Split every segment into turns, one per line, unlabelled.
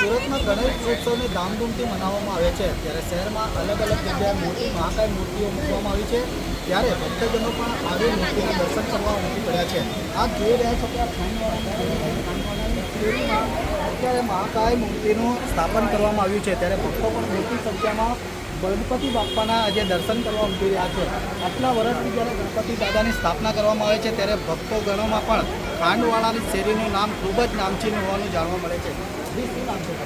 સુરતમાં ગણેશ ઉત્સવને ધામધૂમથી મનાવવામાં આવે છે ત્યારે શહેરમાં અલગ અલગ જગ્યાએ મોટી મહાકાય મૂર્તિઓ મૂકવામાં આવી છે ત્યારે ભક્તજનો પણ આવી મૂર્તિના દર્શન કરવા ઉમટી પડ્યા છે. આપ જોઈ રહ્યા છો કે આ ખાનવાડાની શેરીમાં અત્યારે મહાકાય મૂર્તિનું સ્થાપન કરવામાં આવ્યું છે ત્યારે ભક્તો પણ મોટી સંખ્યામાં ગણપતિ બાપ્પાના આજે દર્શન કરવા ઉમટી રહ્યા છે. આટલા વર્ષથી જ્યારે ગણપતિ દાદાની સ્થાપના કરવામાં આવે છે ત્યારે ભક્તો ગણોમાં પણ ખાંડવાળાની શેરીનું નામ ખૂબ જ નામચીન હોવાનું જાણવા મળે છે. શું નામ છે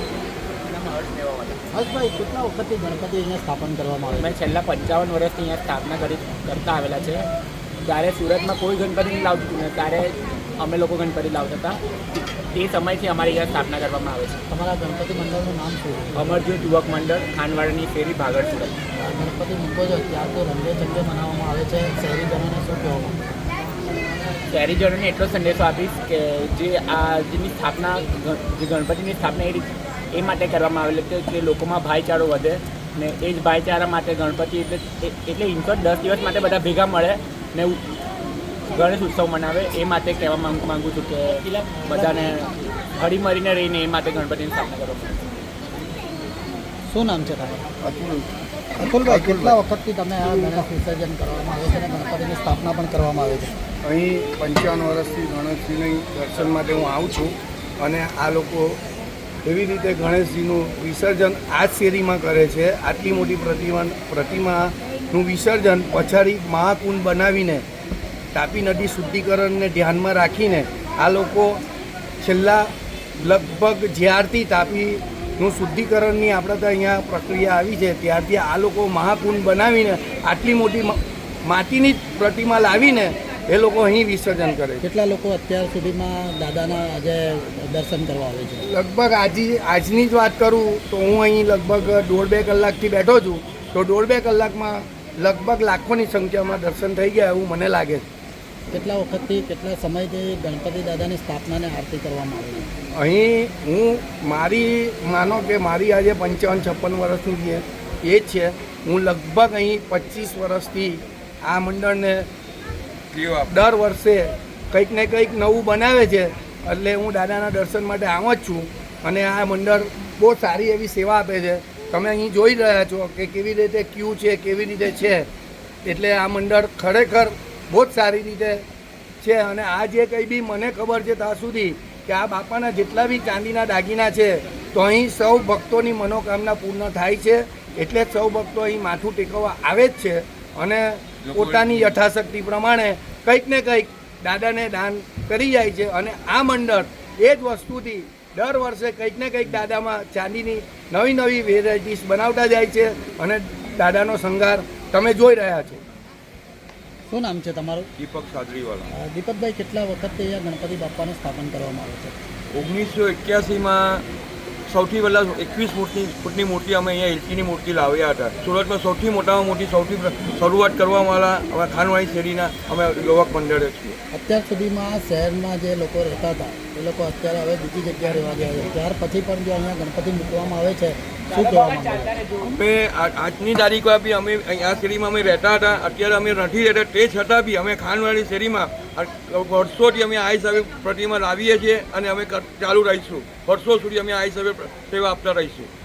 હર્ષભાઈ, કેટલા વખતથી ગણપતિ અહીંયા સ્થાપન કરવામાં આવે છે?
મેં છેલ્લા 55 વર્ષથી અહીંયા સ્થાપના કરતા આવેલા છે. ત્યારે સુરતમાં કોઈ ગણપતિ નહીં લાવતું ને ત્યારે અમે લોકો ગણપતિ લાવતા હતા. તે સમયથી અમારી અહીંયા સ્થાપના કરવામાં આવે છે.
તમારા ગણપતિ મંડળનું નામ શું છે?
અમરજ્યોત યુવક મંડળ, ખાનવાડાની શેરી, ભાગળ, સુરત.
ગણપતિ મૂકો છો ત્યાર તો રંગે ચંગે મનાવવામાં આવે છે. શહેરીજનોને શું કહેવામાં?
શહેરીજનોને એટલો સંદેશો આપીશ કે જેની સ્થાપના જે ગણપતિની સ્થાપના એ માટે કરવામાં આવેલી છે કે લોકોમાં ભાઈચારો વધે ને એ જ ભાઈચારા માટે ગણપતિ એટલે ઇન્ફોર્ટ 10 દિવસ માટે બધા ભેગા મળે ને ગણેશ ઉત્સવ મનાવે. એ માટે કહેવા માગું છું કે બધાને હળીમળીને રહીને એ માટે ગણપતિની સ્થાપના કરવામાં આવે.
શું નામ છે તારું? અતુલભાઈ, કેટલા વખતથી તમે આ ગણેશ વિસર્જન કરવામાં આવે છે અને ગણપતિની સ્થાપના પણ કરવામાં આવે છે?
અહીં 55 વર્ષથી ગણેશજીની દર્શન માટે હું આવું છું અને આ લોકો એવી રીતે ગણેશજીનું વિસર્જન આ જ શેરીમાં કરે છે. આટલી મોટી પ્રતિમાનું વિસર્જન પછાડી મહાકુંડ બનાવીને તાપી નદી શુદ્ધિકરણને ધ્યાનમાં રાખીને આ લોકો છેલ્લા લગભગ જ્યારથી તાપીનું શુદ્ધિકરણની આપણે તો અહીંયા પ્રક્રિયા આવી છે ત્યારથી આ લોકો મહાકુંડ બનાવીને આટલી મોટી માટીની પ્રતિમા લાવીને એ લોકો અહીં વિસર્જન કરે છે.
કેટલા લોકો અત્યાર સુધીમાં દાદાના આજે દર્શન કરવા આવે છે?
લગભગ આજની જ વાત કરું તો હું અહીં લગભગ 1.5-2 કલાકથી બેઠો છું તો 1.5-2 કલાકમાં લગભગ લાખોની સંખ્યામાં દર્શન થઈ ગયા એવું મને લાગે છે.
કેટલા વખતથી કેટલા સમયથી ગણપતિ દાદાની સ્થાપનાને આરતી કરવામાં આવે છે?
અહીં માનો કે મારી આજે 55-56 વર્ષની એજ છે. હું લગભગ અહીં 25 વર્ષથી આ મંડળને દર વર્ષે કંઈક ને કંઈક નવું બનાવે છે એટલે હું દાદાના દર્શન માટે આવું જ છું અને આ મંડળ બહુ સારી એવી સેવા આપે છે. તમે અહીં જોઈ રહ્યા છો કે કેવી રીતે ક્યુ છે, કેવી રીતે છે, એટલે આ મંડળ ખરેખર બહુ જ સારી રીતે છે. અને આ જે કંઈ બી મને ખબર છે ત્યાં સુધી કે આ બાપાના જેટલા બી ચાંદીના દાગીના છે તો અહીં સૌ ભક્તોની મનોકામના પૂર્ણ થાય છે એટલે જ સૌ ભક્તો અહીં માથું ટેકવવા આવે જ છે અને પોતાની યથાશક્તિ પ્રમાણે કંઈક ને કંઈક દાદાને દાન કરી જાય છે. અને આ મંડળ એ જ વસ્તુથી દર વર્ષે કંઈક ને કંઈક દાદામાં ચાંદીની નવી નવી વેરાયટીઝ બનાવતા જાય છે અને દાદાનો શણગાર તમે જોઈ રહ્યા છો.
શું નામ છે તમારું?
દીપક સાદરીવાલા.
દીપકભાઈ, કેટલા વખતથી અહીંયા ગણપતિ બાપ્પાનું સ્થાપન કરવામાં આવે છે?
1981માં સૌથી પહેલાં 21 ફૂટની મૂર્તિ અમે અહીંયા એલચીની મૂર્તિ લાવ્યા હતા. સુરતમાં સૌથી મોટામાં મોટી શરૂઆત કરવાવાળા અમે ખાનવાડી શેરીના અમે યુવક મંડળે છીએ.
અત્યાર સુધીમાં શહેરમાં જે લોકો રહેતા હતા એ લોકો અત્યારે હવે બીજી જગ્યાએ રહેવા ગયા છે. ત્યાર પછી પણ જો અહીંયા ગણપતિ મૂકવામાં આવે છે શું કહેવામાં આવે?
અમે આજની તારીખમાં બી અમે આ શેરીમાં અમે રહેતા હતા. અત્યારે અમે નથી રહેતા તે છતાં બી અમે ખાનવાડી શેરીમાં વર્ષોથી અમે આ હિસાબે પ્રતિમા લાવીએ છીએ અને અમે ચાલુ રહીશું. વર્ષો સુધી અમે આ હિસાબે સેવા આપતા રહીશું.